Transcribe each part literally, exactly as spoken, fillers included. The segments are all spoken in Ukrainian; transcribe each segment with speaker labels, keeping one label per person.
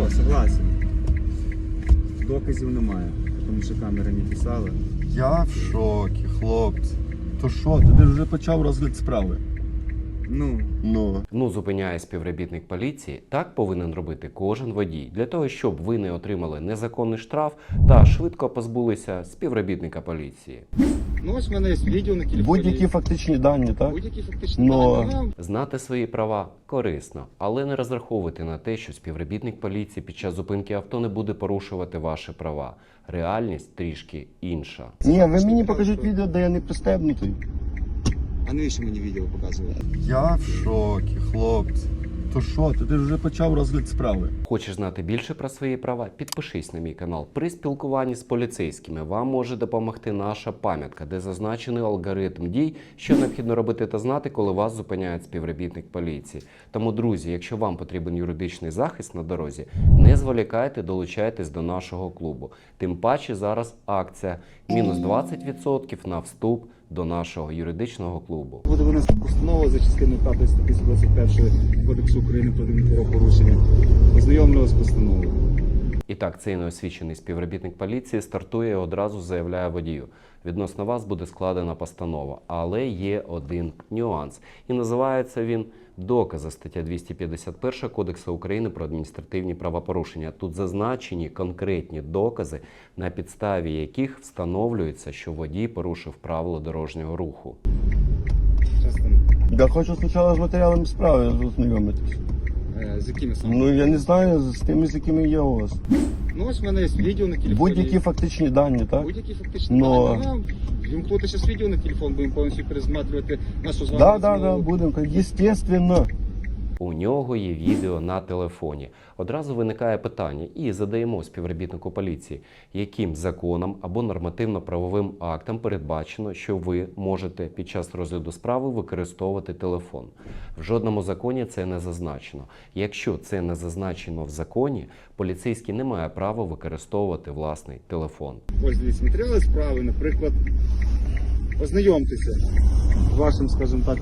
Speaker 1: Хорошо, согласен. Доказів немає, тому що камери не писали.
Speaker 2: Я в шокі, хлопці. То що, ти вже почав розгляд справи?
Speaker 1: Ну,
Speaker 2: Ну.
Speaker 3: Ну, зупиняє співробітник поліції, так повинен робити кожен водій, для того, щоб ви не отримали незаконний штраф та швидко позбулися співробітника поліції.
Speaker 1: ну ось в мене є відео на телефоні.
Speaker 2: Будь-які фактичні дані, так?
Speaker 1: Будь-які фактичні
Speaker 2: Но-
Speaker 1: дані. Ну,
Speaker 3: Знати свої права корисно, але не розраховуйте на те, що співробітник поліції під час зупинки авто не буде порушувати ваші права. Реальність трішки інша.
Speaker 2: Ні, ви мені покажіть відео, де я не пристебнутий.
Speaker 1: а навіщо мені відео показувати?
Speaker 2: Я в шокі, хлопці. То що, ти вже почав розгляд справи?
Speaker 3: Хочеш знати більше про свої права? Підпишись на мій канал. При спілкуванні з поліцейськими вам може допомогти наша пам'ятка, де зазначений алгоритм дій, що необхідно робити та знати, коли вас зупиняє співробітник поліції. Тому, друзі, якщо вам потрібен юридичний захист на дорозі, не зволікайте, долучайтесь до нашого клубу. Тим паче зараз акція мінус двадцять відсотків на вступ до нашого юридичного клубу.
Speaker 1: Буде винесена постанова за частиною п'ятої статті сто двадцять першої Кодексу України про адмінправопорушення. Ознайомлював з постановою.
Speaker 3: І так, цей неосвічений співробітник поліції стартує і одразу заявляє водію: відносно вас буде складена постанова, але є один нюанс. І називається він «Докази», стаття двісті п'ятдесят перша Кодексу України про адміністративні правопорушення. Тут зазначені конкретні докази, на підставі яких встановлюється, що водій порушив правила дорожнього руху.
Speaker 1: Часто.
Speaker 2: Я хочу спочатку з матеріалами справи ознайомитись.
Speaker 1: Е, з якими саме?
Speaker 2: Ну, я не знаю, з тими, з якими є у вас.
Speaker 1: Ну ось в мене є відео на телефоні.
Speaker 2: Будь-які фактичні дані, так?
Speaker 1: Будь-які фактичні
Speaker 2: Но-
Speaker 1: дані. Ну, вимкнути зараз відео на телефон, будемо повністю пересматривати нашу з вами
Speaker 2: Так, так, так,
Speaker 1: розмову.
Speaker 2: будемо. Естественно.
Speaker 3: У нього є відео на телефоні. Одразу виникає питання і задаємо співробітнику поліції, яким законом або нормативно-правовим актом передбачено, що ви можете під час розгляду справи використовувати телефон. В жодному законі це не зазначено. Якщо це не зазначено в законі, поліцейський не має права використовувати власний телефон.
Speaker 1: Ось дивіться, матеріали справи, наприклад, ознайомтеся з вашим, скажімо так,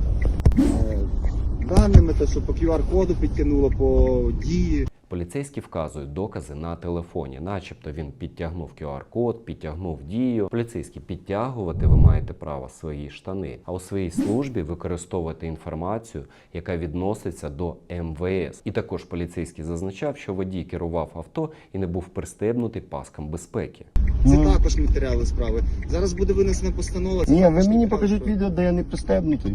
Speaker 1: е, даними, те, що по ку ар коду підтягнуло, по дії.
Speaker 3: Поліцейські вказують докази на телефоні, начебто він підтягнув ку ар код, підтягнув дію. Поліцейські, підтягувати ви маєте право свої штани, а у своїй службі використовувати інформацію, яка відноситься до ем ве ес. І також поліцейський зазначав, що водій керував авто і не був пристебнутий паском безпеки.
Speaker 1: Це
Speaker 2: Ну.
Speaker 1: також матеріали справи. Зараз буде винесена постанова. це
Speaker 2: Ні,
Speaker 1: також
Speaker 2: ви мені
Speaker 1: матеріали
Speaker 2: покажіть
Speaker 1: справи.
Speaker 2: відео, де я не пристебнутий.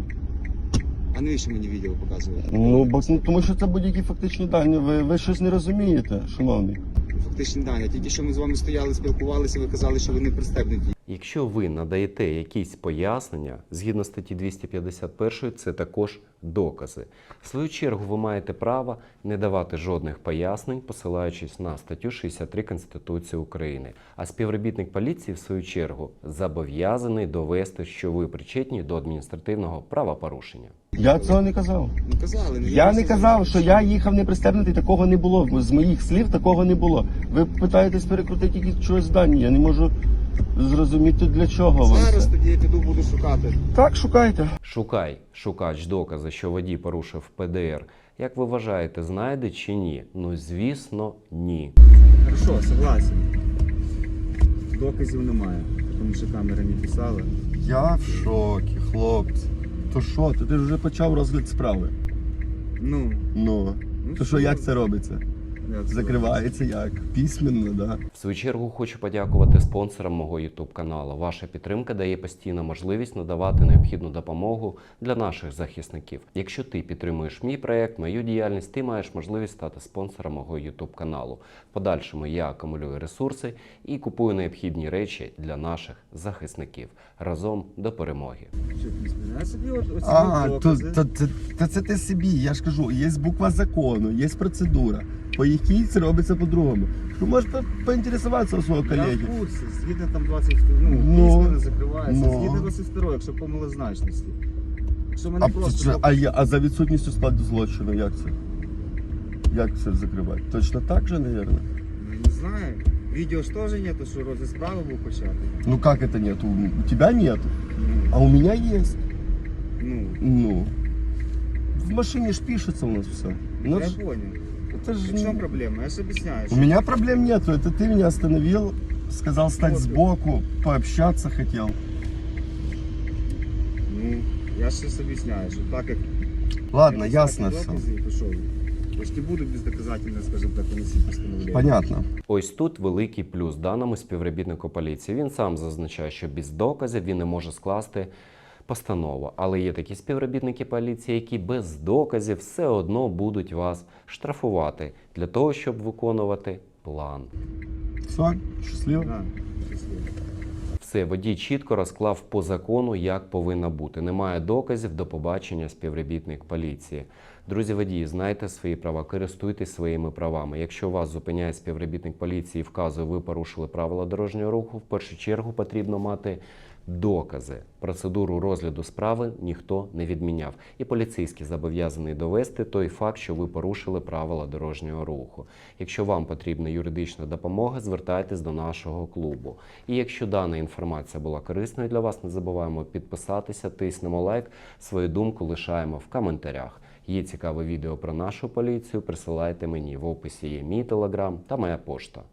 Speaker 1: А навіщо мені відео показувати?
Speaker 2: Ну, бо ну, тому що це будь-які фактичні дані. Ви, ви щось не розумієте, шановний.
Speaker 1: Фактичні дані. Тільки що ми з вами стояли, спілкувалися, ви казали, що ви не пристебнуті.
Speaker 3: Якщо ви надаєте якісь пояснення, згідно статті двісті п'ятдесят першої, це також докази. В свою чергу ви маєте право не давати жодних пояснень, посилаючись на статтю шістдесят три Конституції України. А співробітник поліції, в свою чергу, зобов'язаний довести, що ви причетні до адміністративного правопорушення.
Speaker 2: Я цього не казав.
Speaker 1: Ну казали. ну,
Speaker 2: Я не
Speaker 1: просто
Speaker 2: казав,
Speaker 1: зараз-
Speaker 2: що я їхав не пристебнутий, такого не було. З моїх слів такого не було. Ви питаєтесь перекрутити якісь чогось дані, я не можу зрозуміти, для чого вам
Speaker 1: Зараз
Speaker 2: це.
Speaker 1: тоді я піду буду шукати.
Speaker 2: Так, шукайте.
Speaker 3: Шукай, шукач докази, що водій порушив пе де ер. Як ви вважаєте, знайде чи ні? Ну, звісно, ні.
Speaker 1: Хорошо, согласен. Доказів немає, тому що камери не писали.
Speaker 2: Я в шокі, хлопці. То що, ти вже почав розгляд справи?
Speaker 1: Ну,
Speaker 2: Ну.
Speaker 1: ну
Speaker 2: То що, як це робиться?
Speaker 1: Як це
Speaker 2: Закривається як? Письменно, да?
Speaker 3: В свою чергу хочу подякувати спонсорам мого ютуб каналу. Ваша підтримка дає постійно можливість надавати необхідну допомогу для наших захисників. Якщо ти підтримуєш мій проект, мою діяльність, ти маєш можливість стати спонсором мого ютуб каналу. В подальшому я акумулюю ресурси і купую необхідні речі для наших захисників. Разом до перемоги.
Speaker 1: Що, ти не я собі от, оці
Speaker 2: А, то,
Speaker 1: докази.
Speaker 2: то, то, то це ти собі, я ж кажу, є буква закону, є процедура, по якій це робиться по-другому. Ти можеш по- поінтересуватися у свого
Speaker 1: Я
Speaker 2: колеги.
Speaker 1: в курсі, згідно там двадцять, ну,
Speaker 2: Ну,
Speaker 1: письма не закривається,
Speaker 2: ну.
Speaker 1: згідно двадцять другої, якщо по малозначності. Якщо мене
Speaker 2: А,
Speaker 1: просто...
Speaker 2: це- а, я- а за відсутністю складу злочину, як це? Як це закривати? Точно так же, мабуть?
Speaker 1: Ну, не знаю. Відео ж теж нету, що розгляд справи був почати.
Speaker 2: Ну как это нет? У, у тебя нет,
Speaker 1: Ну,
Speaker 2: а у меня есть.
Speaker 1: ну,
Speaker 2: Ну. В машине ж пишется у нас все.
Speaker 1: я понял.
Speaker 2: Это же...
Speaker 1: В чому проблема? Я ж об'ясняю.
Speaker 2: У
Speaker 1: що-
Speaker 2: меня проблем нету. Это ты меня остановил, сказал стать
Speaker 1: Вот.
Speaker 2: сбоку, пообщаться хотел.
Speaker 1: Ну, я ж щось об'ясняю, що так як...
Speaker 2: Ладно,
Speaker 1: я
Speaker 2: ясно
Speaker 1: докази,
Speaker 2: все.
Speaker 1: то що ви? Я ж не буду бездоказательно, скажімо так, виносити постановлення.
Speaker 2: Понятно.
Speaker 3: Ось тут великий плюс даному співробітнику поліції. Він сам зазначає, що без доказів він не може скласти постанову. Але є такі співробітники поліції, які без доказів все одно будуть вас штрафувати для того, щоб виконувати план.
Speaker 2: Все, счастливо.
Speaker 1: Да, щасливо.
Speaker 3: Все, водій чітко розклав по закону, як повинно бути. Немає доказів, до побачення, співробітник поліції. Друзі водії, знайте свої права, користуйтесь своїми правами. Якщо вас зупиняє співробітник поліції і вказує, ви порушили правила дорожнього руху, в першу чергу потрібно мати докази. Процедуру розгляду справи ніхто не відміняв. І поліцейський зобов'язаний довести той факт, що ви порушили правила дорожнього руху. Якщо вам потрібна юридична допомога, звертайтесь до нашого клубу. І якщо дана інформація була корисною для вас, не забуваємо підписатися, тиснемо лайк, свою думку лишаємо в коментарях. Є цікаве відео про нашу поліцію, присилайте мені. В описі є мій телеграм та моя пошта.